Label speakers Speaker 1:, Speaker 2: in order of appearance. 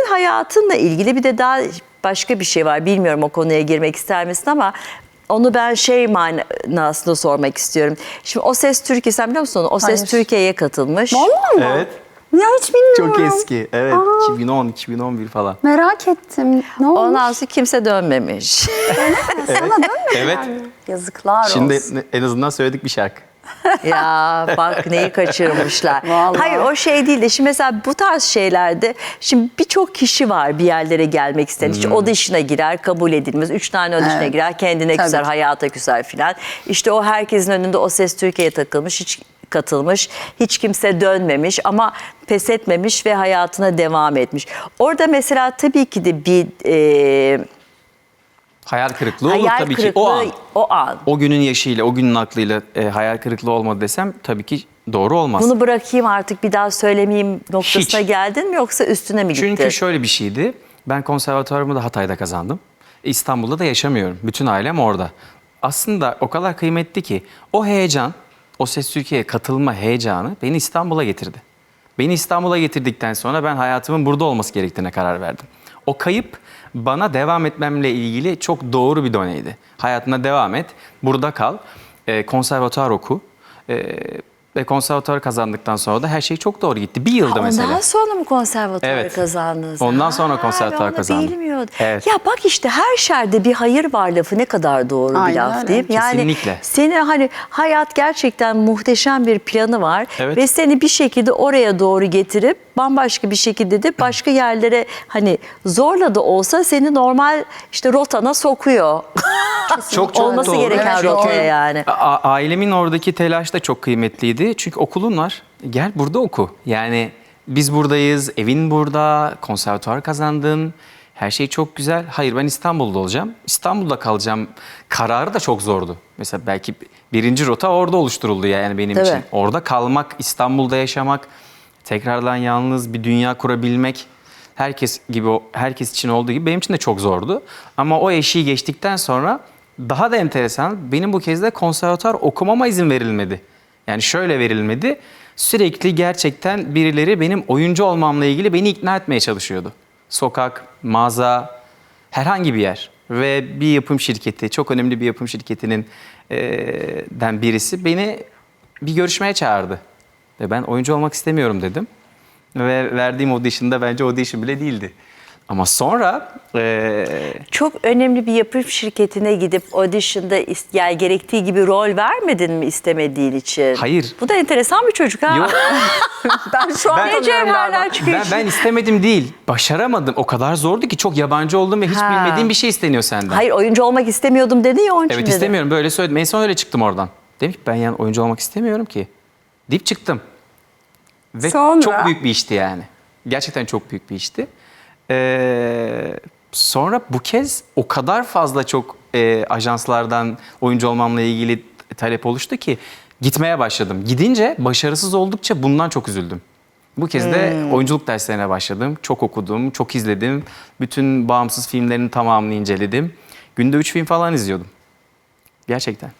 Speaker 1: hayatınla ilgili bir de daha başka bir şey var. Bilmiyorum o konuya girmek ister misin ama onu ben şey manasında sormak istiyorum. Şimdi O Ses Türkiye, sen biliyor musun onu? O Ses
Speaker 2: Hayır.
Speaker 1: Türkiye'ye katılmış.
Speaker 2: Vallahi mı?
Speaker 3: Evet.
Speaker 2: Ya hiç bilmiyorum.
Speaker 3: Çok eski. Evet. 2010-2011 falan.
Speaker 2: Merak ettim. Ne olmuş?
Speaker 1: Ondan sonra kimse dönmemiş.
Speaker 2: Sana dönmedi
Speaker 3: Evet.
Speaker 2: yani. Yazıklar
Speaker 3: Şimdi
Speaker 2: olsun.
Speaker 3: en azından söyledik bir şarkı.
Speaker 1: Ya bak neyi kaçırmışlar.
Speaker 2: Vallahi.
Speaker 1: Hayır o şey değil de şimdi mesela bu tarz şeylerde şimdi birçok kişi var bir yerlere gelmek isteyen. İşte audition'a girer kabul edilmez. 3 tane audition'a
Speaker 2: Evet.
Speaker 1: girer kendine
Speaker 2: Tabii.
Speaker 1: küser hayata küser filan. İşte o herkesin önünde O Ses Türkiye'ye takılmış hiç katılmış. Hiç kimse dönmemiş ama pes etmemiş ve hayatına devam etmiş. Orada mesela tabii ki de bir
Speaker 3: Hayal kırıklığı olur
Speaker 1: hayal
Speaker 3: tabii
Speaker 1: kırıklığı
Speaker 3: ki o an.
Speaker 1: o an.
Speaker 3: O günün yaşıyla, o günün aklıyla hayal kırıklığı olmadı desem tabii ki doğru olmaz.
Speaker 1: Bunu bırakayım artık bir daha söylemeyeyim noktasına
Speaker 3: Hiç.
Speaker 1: geldin mi yoksa üstüne mi gittin?
Speaker 3: Çünkü şöyle bir şeydi. Ben konservatuvarımı da Hatay'da kazandım. İstanbul'da da yaşamıyorum. Bütün ailem orada. Aslında o kadar kıymetli ki o heyecan, O Ses Türkiye'ye katılma heyecanı beni İstanbul'a getirdi. Beni İstanbul'a getirdikten sonra ben hayatımın burada olması gerektiğine karar verdim. O kayıp bana devam etmemle ilgili çok doğru bir doneydi. Hayatına devam et, burada kal, konservatuvar oku. Ve konservatuvarı kazandıktan sonra da her şey çok doğru gitti. Bir yılda mesela.
Speaker 1: Ondan sonra mı konservatuvarı
Speaker 3: Evet.
Speaker 1: kazandınız?
Speaker 3: Ondan sonra konservatuvar
Speaker 1: ben onu
Speaker 3: kazandım.
Speaker 1: bilmiyordum.
Speaker 3: Evet.
Speaker 1: Ya bak işte her şerde bir hayır var lafı ne kadar doğru bir
Speaker 2: Aynen
Speaker 1: laf
Speaker 2: öyle.
Speaker 1: değil mi? Yani
Speaker 3: Kesinlikle.
Speaker 1: seni hani hayat gerçekten muhteşem bir planı var.
Speaker 3: Evet.
Speaker 1: Ve seni bir şekilde oraya doğru getirip bambaşka bir şekilde de başka yerlere hani zorla da olsa seni normal işte rotana sokuyor.
Speaker 3: Çok
Speaker 1: Olması
Speaker 3: doğru.
Speaker 1: gereken
Speaker 2: Evet,
Speaker 1: rotaya
Speaker 2: doğru.
Speaker 1: yani.
Speaker 3: Ailemin oradaki telaş da çok kıymetliydi. Çünkü okulun var. Gel burada oku. Yani biz buradayız, evin burada, konservatuvar kazandın. Her şey çok güzel. Hayır ben İstanbul'da olacağım. İstanbul'da kalacağım. Kararı da çok zordu. Mesela belki birinci rota orada oluşturuldu yani benim
Speaker 1: Tabii.
Speaker 3: için. Orada kalmak, İstanbul'da yaşamak, tekrardan yalnız bir dünya kurabilmek. Herkes için olduğu gibi benim için de çok zordu. Ama o eşiği geçtikten sonra daha da enteresan, benim bu kez de konservatuvar okumama izin verilmedi. Yani şöyle verilmedi, sürekli gerçekten birileri benim oyuncu olmamla ilgili beni ikna etmeye çalışıyordu. Sokak, mağaza, herhangi bir yer ve bir yapım şirketi, çok önemli bir yapım şirketinin den birisi beni bir görüşmeye çağırdı. Ve ben oyuncu olmak istemiyorum dedim. Ve verdiğim audition'da bence audition bile değildi. Ama sonra
Speaker 1: Çok önemli bir yapım şirketine gidip audition'da yani gerektiği gibi rol vermedin mi istemediğin için?
Speaker 3: Hayır.
Speaker 1: Bu da enteresan bir çocuk ha.
Speaker 3: Yok.
Speaker 2: Ben şu an
Speaker 3: Ben-
Speaker 1: Ne cevherler çıkıyor.
Speaker 3: ben istemedim değil, başaramadım. O kadar zordu ki çok yabancı oldum ve hiç
Speaker 1: Ha.
Speaker 3: bilmediğim bir şey isteniyor senden.
Speaker 1: Hayır oyuncu olmak istemiyordum dedi ya onun için
Speaker 3: Evet
Speaker 1: dedi.
Speaker 3: istemiyorum böyle söyledim. En son öyle çıktım oradan. Dedim ki ben yani oyuncu olmak istemiyorum ki. Deyip çıktım. Ve
Speaker 2: Sonra?
Speaker 3: çok büyük bir işti yani. Gerçekten çok büyük bir işti. Sonra bu kez o kadar fazla çok ajanslardan oyuncu olmamla ilgili talep oluştu ki gitmeye başladım. Gidince başarısız oldukça bundan çok üzüldüm. Bu kez de oyunculuk derslerine başladım. Çok okudum, çok izledim. Bütün bağımsız filmlerin tamamını inceledim. Günde 3 film falan izliyordum. Gerçekten.